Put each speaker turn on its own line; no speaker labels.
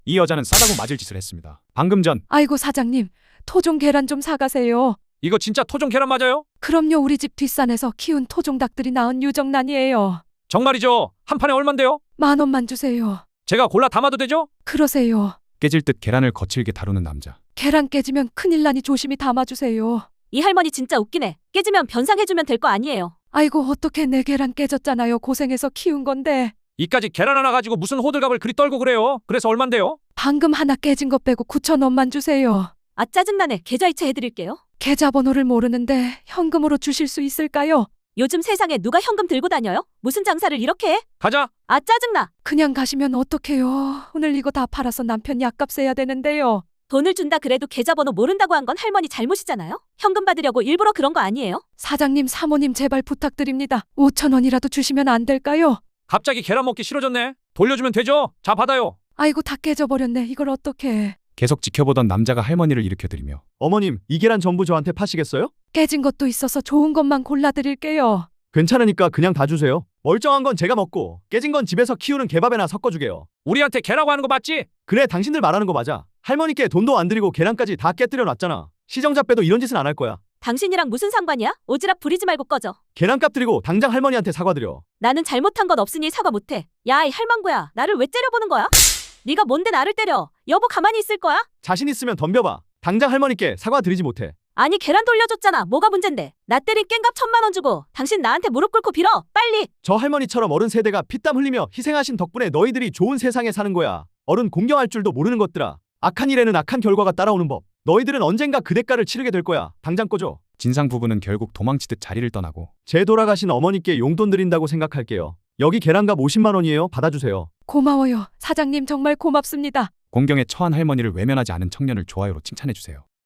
이 여자는 싸다고 맞을 짓을 했습니다. 방금 전
아이고 사장님, 토종 계란 좀 사가세요.
이거 진짜 토종 계란 맞아요?
그럼요, 우리 집 뒷산에서 키운 토종 닭들이 낳은 유정란이에요.
정말이죠? 한 판에 얼만데요?
10,000원만 주세요.
제가 골라 담아도 되죠?
그러세요.
깨질 듯 계란을 거칠게 다루는 남자.
계란 깨지면 큰일 나니 조심히 담아주세요.
이 할머니 진짜 웃기네. 깨지면 변상해주면 될 거 아니에요.
아이고 어떡해, 내 계란 깨졌잖아요. 고생해서 키운 건데.
이까지 계란 하나 가지고 무슨 호들갑을 그리 떨고 그래요? 그래서 얼만데요?
방금 하나 깨진 거 빼고 9,000원만 주세요.
아 짜증나네. 계좌이체 해드릴게요.
계좌번호를 모르는데 현금으로 주실 수 있을까요?
요즘 세상에 누가 현금 들고 다녀요? 무슨 장사를 이렇게 해?
가자.
아 짜증나.
그냥 가시면 어떡해요. 오늘 이거 다 팔아서 남편 약값 세야 되는데요.
돈을 준다 그래도 계좌번호 모른다고 한 건 할머니 잘못이잖아요? 현금 받으려고 일부러 그런 거 아니에요?
사장님, 사모님 제발 부탁드립니다. 5,000원이라도 주시면 안 될까요?
갑자기 계란 먹기 싫어졌네. 돌려주면 되죠? 자 받아요.
아이고 다 깨져버렸네. 이걸 어떡해.
계속 지켜보던 남자가 할머니를 일으켜드리며
어머님, 이 계란 전부 저한테 파시겠어요?
깨진 것도 있어서 좋은 것만 골라드릴게요.
괜찮으니까 그냥 다 주세요. 멀쩡한 건 제가 먹고 깨진 건 집에서 키우는 개밥에나 섞어주게요.
우리한테 개라고 하는 거 맞지?
그래, 당신들 말하는 거 맞아. 할머니께 돈도 안 드리고 계란까지 다 깨뜨려 놨잖아. 시정자 빼도 이런 짓은 안 할 거야.
당신이랑 무슨 상관이야? 오지랖 부리지 말고 꺼져.
계란값 드리고 당장 할머니한테 사과드려.
나는 잘못한 건 없으니 사과 못해. 야 이 할망구야. 나를 왜 째려보는 거야? 네가 뭔데 나를 때려? 여보 가만히 있을 거야?
자신 있으면 덤벼봐. 당장 할머니께 사과드리지 못해.
아니 계란 돌려줬잖아. 뭐가 문젠데? 나 때린 깽값 1,000만 원 주고 당신 나한테 무릎 꿇고 빌어. 빨리.
저 할머니처럼 어른 세대가 피땀 흘리며 희생하신 덕분에 너희들이 좋은 세상에 사는 거야. 어른 공경할 줄도 모르는 것들아. 악한 일에는 악한 결과가 따라오는 법. 너희들은 언젠가 그 대가를 치르게 될 거야. 당장 꺼줘.
진상 부부는 결국 도망치듯 자리를 떠나고
제 돌아가신 어머니께 용돈 드린다고 생각할게요. 여기 계란값 50만 원이에요. 받아주세요.
고마워요. 사장님 정말 고맙습니다.
공경에 처한 할머니를 외면하지 않은 청년을 좋아요로 칭찬해주세요.